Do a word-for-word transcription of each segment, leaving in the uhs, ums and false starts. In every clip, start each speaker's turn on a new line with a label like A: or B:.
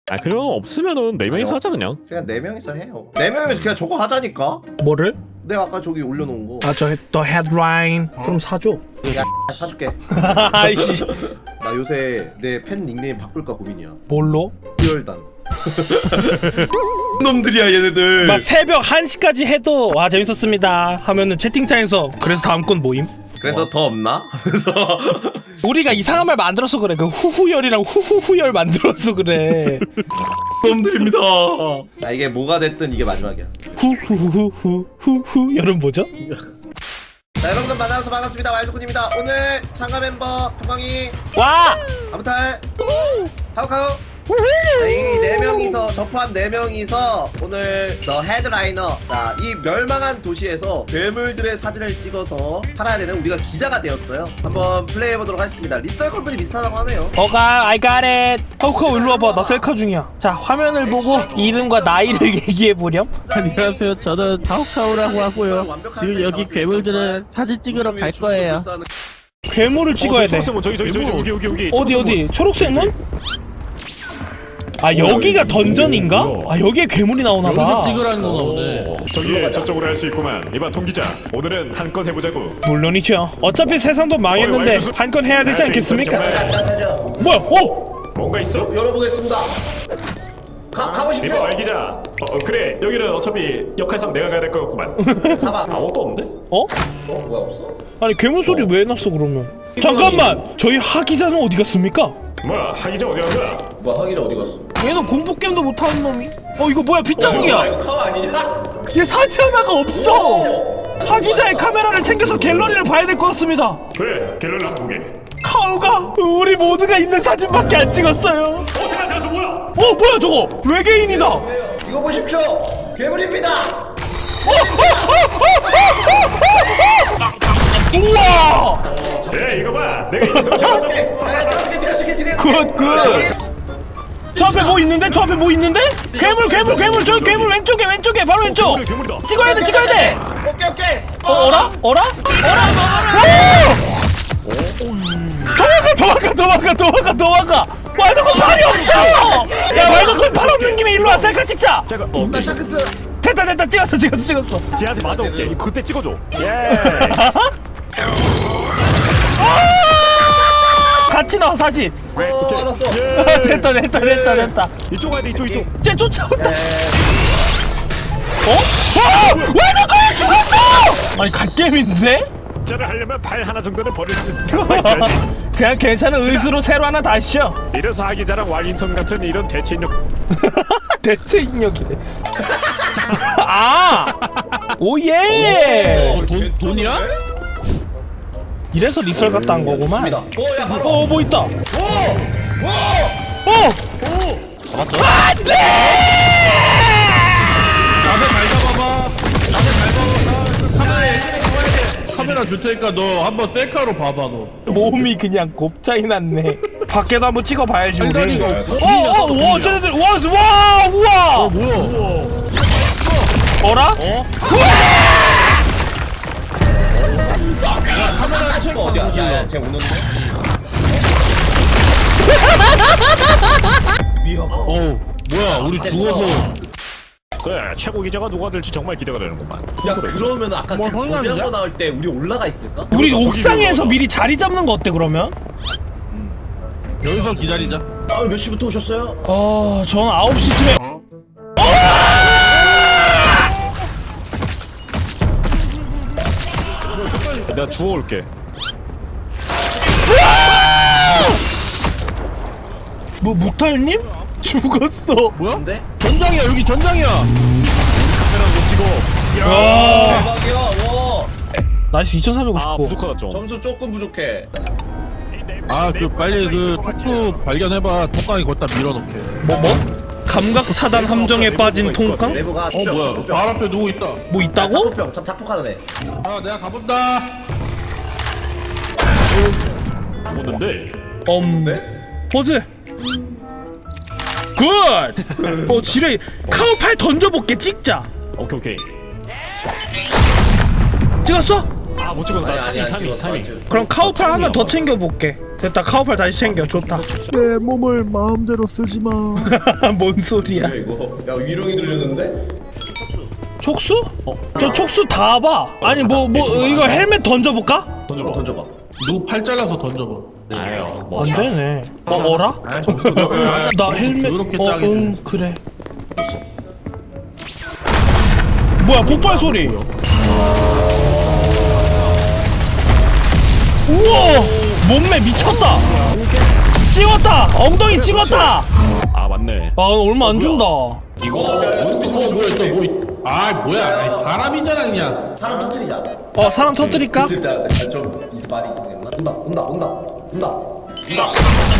A: 아 그럼 없으면은 네 명이서
B: 아니요.
A: 하자 그냥.
B: 그냥 네 명이서 해요. 네 명이서 그냥 저거 하자니까.
C: 뭐를?
B: 내가 아까 저기 올려놓은 거.
C: 아 저 더 헤드라인. 그럼 사줘.
B: 야 사줄게.
C: 아이씨.
B: 나 요새 내 팬 닉네임 바꿀까 고민이야.
C: 뭘로?
B: 듀얼단. 놈들이야 얘네들.
C: 막 새벽 한 시까지 해도 와 재밌었습니다 하면은 채팅창에서 그래서 다음 건 뭐임?
B: 그래서 더 없나? 하면서
C: 우리가 이상한 말 만들어서 그래. 그 후후열이랑 후후후열 만들어서 그래.
B: 놈들입니다. 자 이게 뭐가 됐든 이게 마지막이야.
C: 후후후후후후열은 뭐죠?
B: 자 여러분들 만나서 반갑습니다. 와일드군입니다. 오늘 참가 멤버 동광이
C: 와!
B: 아무탈 카우카우. 자, 이 네 명이서 저 포함 네 명이서 오늘 더 헤드라이너 자 이 멸망한 도시에서 괴물들의 사진을 찍어서 팔아야 되는 우리가 기자가 되었어요. 한번 플레이해 보도록 하겠습니다. 리썰 컴퍼니 비슷하다고 하네요.
C: 어가 I got it. 허우커 일로 와봐. 나 셀카 중이야. 자 화면을 보고 이름과 나이를 얘기해보렴.
D: 안녕하세요. 저는 다우카우라고 하고요. 지금 여기 괴물들을 사진 찍으러 갈 거예요.
C: 괴물을 찍어야 돼.
A: 초록색 문 저기 저기 저기 여기 여기 여기.
C: 어디 어디? 초록색 문? 아 여기가 던전인가? 아 여기에 괴물이 나오나봐.
D: 여기서 찍으라는 건가 보네.
A: 저기 저쪽으로 할 수 있구만. 이봐 동 기자. 오늘은 한 건 해보자고.
C: 물론이죠. 어차피 세상도 망했는데 한 건 해야 되지 않겠습니까? 뭐야? 어?
A: 뭔가 있어?
B: 열어보겠습니다. 가, 가보십시오.
A: 이봐 알 기자. 어, 어 그래 여기는 어차피 역할상 내가 가야 될 것 같구만.
B: 가봐.
A: 아무것도 없는데?
C: 어?
B: 어? 뭐야 없어?
C: 아니 괴물 소리 왜 났어 그러면? 잠깐만! 저희 하 기자는 어디 갔습니까?
A: 뭐야 하 기자 어디 간 거야?
B: 뭐야 하기자 어디 갔어?
C: 얘는 공포 게임도 못하는 놈이. 어 이거 뭐야 빗자국이야.
B: 이거 카우 아니냐?
C: 얘 사지 하나가 없어. 하 기자의 카메라를 챙겨서 갤러리를 봐야 될 것 같습니다.
A: 그래 갤러리 한번 보게.
C: 카우가 우리 모두가 있는 사진밖에 안 찍었어요.
A: 어 잠깐 잠깐 저 뭐야?
C: 어 뭐야 저거 외계인이다.
B: 이거 보십시오. 괴물입니다.
C: 우와.
A: 예 이거 봐. 내가 이거 좀 잡았다.
C: 굿 굿. 저 앞에 뭐 있는데? 저 앞에 뭐 있는데? 괴물 괴물 괴물 저기 괴물 왼쪽에 왼쪽에 바로 왼쪽.
A: 괴물이다, 괴물이다.
C: 찍어야 돼 찍어야 돼.
B: 오케이 오케이.
C: 어 어라 어라 어라. 도망가 도망가 도망가 도망가 도망가. 왈도콘 팔이 없어. 야 왈도콘 팔 없는 김에 일로 와 셀카 찍자.
A: 잠깐. 어,
B: 나 샤크스.
C: 됐다 됐다 찍었어 찍었어 찍었어.
A: 쟤한테 맞아올게. 그때 찍어줘. 예.
C: 같이 나와 사진.
B: 어 알았어.
A: 예.
C: 됐다 됐다 됐다 됐다.
A: 이쪽 가야 돼 이쪽 이쪽.
C: 쟤 쫓아온다. 어? 와! 왈도콘 죽었어! 아니 갓겜인데?
A: 쟤를 하려면 발 하나 정도는 버릴 수 있어야지.
C: 그냥 괜찮은 의수로 새로 하나 다시죠.
A: 이래서 하기자랑 왈링턴 같은 이런 대체 인력.
C: 대체 인력이네. 아! 오예!
D: 어, 돈, 돈이야?
C: 이래서 리썰 갔다 한 거구만.
B: 오야 바로.
C: 어, 뭐 있다.
B: 오! 오!
C: 어!
D: 잡았죠?
C: 안돼!
D: 나도 잘 잡아봐. 나도 잘 잡아봐. 카메라 예전에 구해야 돼. 카메라 줄 테니까 너 한번 셀카로 봐봐 너.
C: 몸이 그냥 곱창이 났네. 밖에도 한번 찍어봐야지 우리.
D: 팔다리가 없어.
C: 어, 어, 와, 쟤네들, 와, 와, 우와.
D: 어 뭐야?
C: 어라?
D: 어?
B: 카메라 책 어디야? 야야 쟤 오는데?
D: 어우 뭐야 우리 죽어서.
A: 그래 최고 기자가 누가 될지 정말 기대가 되는구만.
B: 야 그러면 아까
D: 뭐
B: 그
D: 성의
B: 거대한 거
D: 아니야?
B: 나올 때 우리 올라가 있을까?
C: 우리
A: 저기
C: 옥상에서
A: 올라가.
C: 미리 자리 잡는 거 어때 그러면?
D: 여기서 기다리자.
B: 아 몇 시부터 오셨어요?
C: 어, 전 아홉 시쯤에.
A: 내가 주워올게.
C: 뭐 무탈님? 죽었어.
D: 뭐야?
B: 근데?
D: 전장이야 여기 전장이야.
A: 카메라 못 찍어.
C: 와.
B: 대박이야. 와.
C: 나이스
A: 아
C: 이천사백오십구.
A: 부족하다 좀.
B: 점수 조금 부족해.
D: 아 그 빨리 그 촉수 발견해봐. 통깡이 거기다 밀어넣게.
C: 뭐 뭐? 감각 차단 함정에 빠진 통깡?
B: 내부가
D: 어 뭐야? 발 앞에 누구 있다.
C: 뭐 있다고?
B: 자폭병 참 자폭하는 애.
D: 아 내가 가본다.
A: 죽었는데.
C: 엄. 포즈. 굿. 어 지뢰. 카우팔 던져볼게 찍자.
A: 오케이 오케이.
C: 찍었어?
A: 아 못 찍었어.
B: 아니
A: 나
B: 아니
A: 타이밍
B: 안
A: 타이밍
B: 찍었어. 안
A: 타이밍.
B: 찍었어.
C: 그럼 카우팔 하나 더 챙겨볼게. 됐다. 카우팔 다시 챙겨. 좋다.
D: 내 몸을 마음대로 쓰지 마.
C: 뭔 소리야?
B: 이거 야 위령이 들렸는데?
C: 촉수? 저 촉수 다 봐. 아니 뭐 뭐 이거 헬멧 던져볼까?
B: 던져봐 던져봐.
D: 누구 팔 잘라서 던져봐.
A: 아유 뭐
C: 안 되네. 어 어라?
D: 아 점수 더 하자.
C: 나 헬멧.
D: 그렇게
C: 어,
D: 짝이지.
C: 응 그래. 뭐야 폭발 소리. 우와 몸매 미쳤다. 찍었다. 엉덩이 찍었다.
A: 아 맞네.
C: 아 얼마 안 준다.
A: 이거
D: 몬스터 어 뭐야 또 뭐? 있- 아 뭐야? 아니, 사람이잖아 그냥.
B: 사람 터뜨리자.
C: 어 사람 터뜨릴까?
B: 진짜 아, 좀 이스 말이 이상했나? 온다 온다 온다 온다 온다.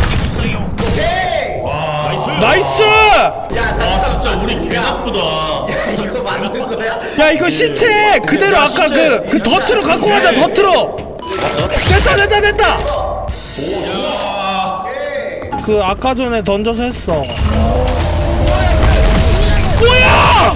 A: 나이스.
C: 나이스.
B: 야
D: 아
B: 잠깐.
D: 진짜 우리 개 나쁘다.
B: 야 이거 맞는 거야?
C: 야 이거 시체 그대로
D: 야,
C: 아까
D: 시체.
C: 그 그 덫으로 갖고 가자. 덫으로. 됐다 됐다 됐다. 그 아까 전에 던져서 했어. 뭐야?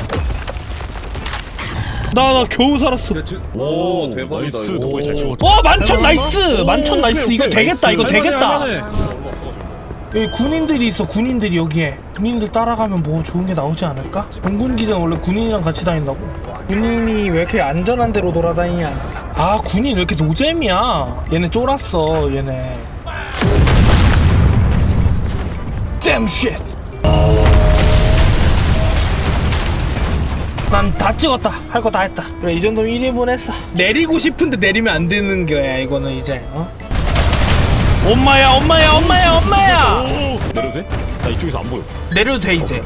C: 나 나 겨우 살았어.
B: 오 대박이다.
A: 나이스
B: 이거.
A: 동호이 잘 치고.
C: 어 만천 나이스. 만천 나이스. 이거 되겠다. 이거
D: 할만해,
C: 되겠다.
D: 할만해.
C: 여기 군인들이 있어. 군인들이 여기에. 군인들 따라가면 뭐 좋은 게 나오지 않을까? 공군 기장 원래 군인이랑 같이 다닌다고. 군인이 왜 이렇게 안전한 데로 돌아다니냐? 아 군인 왜 이렇게 노잼이야? 얘네 쫄았어. 얘네. Damn shit. 난 다 찍었다. 할 거 다 했다. 그래 이 정도면 일 인분 했어. 내리고 싶은데 내리면 안 되는 거야. 이거는 이제 어? 엄마야 엄마야 엄마야 엄마야.
A: 내려도 돼? 나 이쪽에서 안 보여.
C: 내려도 돼 이제.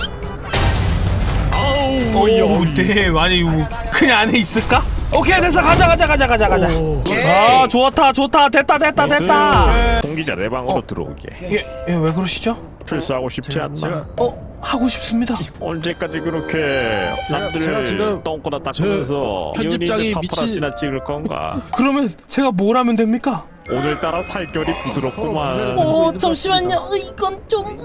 A: 아우
C: 오, 네, 아니 뭐 그냥 안에 있을까? 오케이 됐어 가자 가자 가자 가자 가자. 아 좋다 좋다 됐다 됐다 됐다.
A: 공기자 내 방으로 들어오게.
C: 얘왜 그러시죠?
A: 출소하고 싶지 않나?
D: 제가
C: 어 하고 싶습니다.
A: 언제까지 그렇게 남들
D: 제가 지금
A: 똥꼬나 닦으면서
D: 편집장이
A: 유니드
D: 미친-
A: 파파라치나 찍을 건가?
C: 그러면 제가 뭘 하면 됩니까?
A: 오늘따라 살결이 부드럽구만.
C: 어 잠시만요. 이건 좀.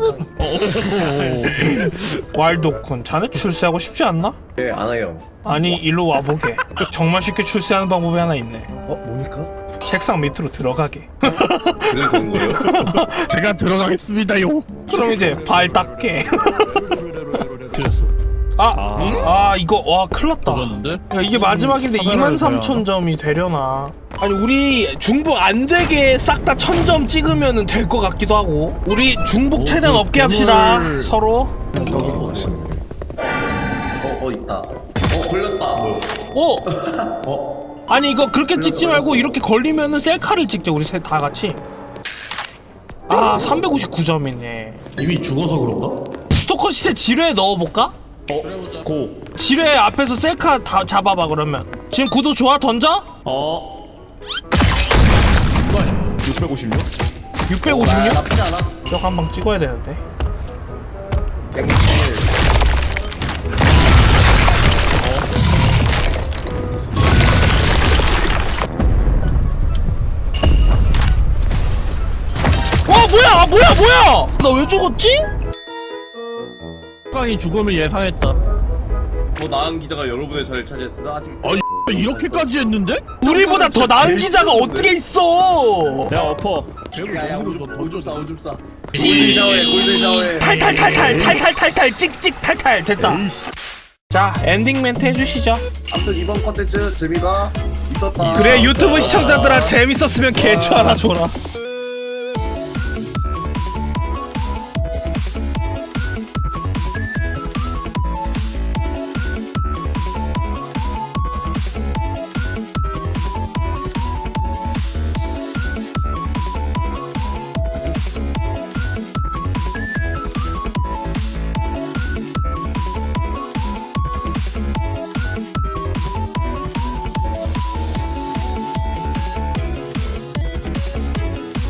C: 왈도쿤 자네 출세하고 싶지 않나?
B: 예 안하요.
C: 아니 일로 와보게. 정말 쉽게 출세하는 방법이 하나 있네.
B: 어 뭡니까?
C: 책상 밑으로 들어가게.
B: 그래도 되는 거예요?
D: 제가 들어가겠습니다요.
C: 그럼 이제 발 닦게. 아, 아 이거 와 큰일났다.
D: 근데
C: 야, 이게 마지막인데
D: 카메라를
C: 이만 삼천 점이 되려나? 아니 우리 중복 안 되게 싹 다 천 점 찍으면은 될 것 같기도 하고. 우리 중복 최대한
D: 그
C: 없게 합시다.
D: 괴물-
C: 서로.
B: 어어 있다. 어 걸렸다.
C: 오. 아니 이거 그렇게 찍지 말고 이렇게 걸리면은 셀카를 찍자. 우리 셋 다 같이. 아 삼백오십구 점이네.
D: 이미 죽어서 그런가?
C: 스토커 시체 지뢰에 넣어볼까?
A: 어? 고.
C: 지뢰 앞에서 셀카 다 잡아봐 그러면. 지금 구도 좋아? 던져?
A: 어? 육백오십육?
C: 육백오십육?
B: 아, 나쁘지 않아.
C: 쪽 한 방 찍어야 되는데.
B: 백육십일.
C: 와 뭐야 아, 뭐야 뭐야 나 왜 죽었지?
D: 깡이 죽음을 예상했다.
B: 더 나은 기자가 여러분의 자리를 차지했으나 아직
D: 아니 이렇게까지 했는데?
C: 우리보다 더 나은 기자가 어떻게 있어.
A: 야 엎어.
B: 야야 오줌 싸 오줌 싸. 골든 샤워해 골든 샤워해.
C: 탈탈탈탈 탈탈탈탈 찍찍 탈탈 됐다. 자 엔딩 멘트 해주시죠.
B: 아무튼 이번 컨텐츠 재미가 있었다.
C: 그래 유튜브 시청자들아 재밌었으면 개추 하나 줘라.